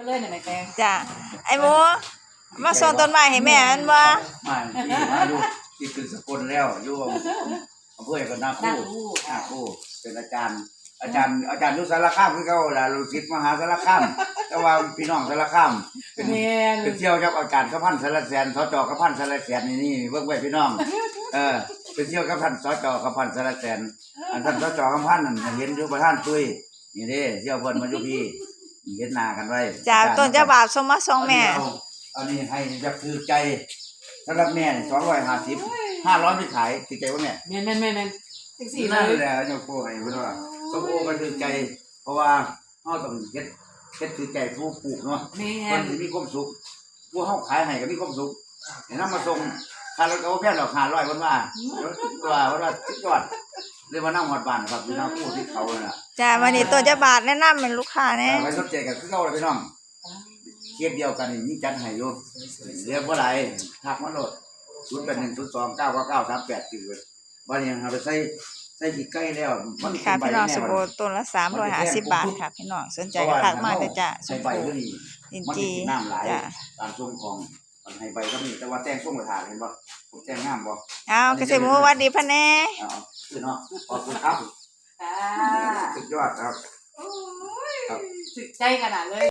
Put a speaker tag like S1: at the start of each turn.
S1: เลยเนี่ยแม่แตง
S2: จ้ะไอ้หมูมาส่งต้นไม้ให้แม่อันบ่
S3: มาอยู่ที่คือสกลแล้วอยู่อำเภอกับนาคู่เป็นอาจารย์อยู่สารคามคือเก่าล่ะลูกศิษย์มหาสารคามแต่ว่าพี่น้องสารคามเป็นเที่ยวกับอาจารย์กพันธ์สารแสนสจกพันธ์สารแสนนี่เบิ่งไว้พี่น้องเป็นเที่ยวกับท่านสจกพันธ์สารแสนอันท่านสจกพันธ์นั่นเห็นอยู่ประธานตุ้ยนี่เด้เที่ยวเพิ่นมาอยู่พี่เห็นหน้ากันไว้
S2: จากต้นเจ้าบ่าวส่งมาส่งแม่
S3: อันนี้ให้จะคือใจสำหรับแม่250 500ไม่ขายคือใจว่าแม่
S1: แม่จังซี่
S3: นั่นแหละเจ้าพ่อให้เพิ่นว่าส้มโอมันคือใจเพราะว่าเฮาต้องเฮ็ดคือใจผู้ปลูกเนาะมันสิมีความสุขผู้เฮาขายให้ก็มีความสุขเห็นนำมาส่งค่ารถก็บ่แพงหรอก500เพิ่นว่าสุดยอดเลยมานำฮอดบ้านครับพี่น้องผู้ที่เขาน่ะ
S2: จ้ะวันนี้ต้นเจ้าบ่าวแนะนำเป็นลูกค้าแน่
S3: ไว้สนใจกันคือเก่าเลยพี่น้องเทียบเดียวกันนี่มีจัดให้อยู่เรียกบ่ได้ทักมาโลด0810299938คือวันนี้เราไปใส่ขี้ไก่แล้ว
S2: มันค่ะพี่น้องสมโอต้นละ350 บาทค่ะพี่น้องสนใจก็ทักมาเด้อจ้ะสมโอลินจีจ้ะ
S3: ตามช่วงของมันให้ใบก็มีแต่ว่าแต่งช่วงกระถางเห็นบ่ผมแต่งงามบ่
S2: เอาเกษตรหมูวัดดีพะแน่
S3: คือเนาะขอบคุณครับสุดยอดครับ
S1: โอ้ยสึกใจขนาดเลย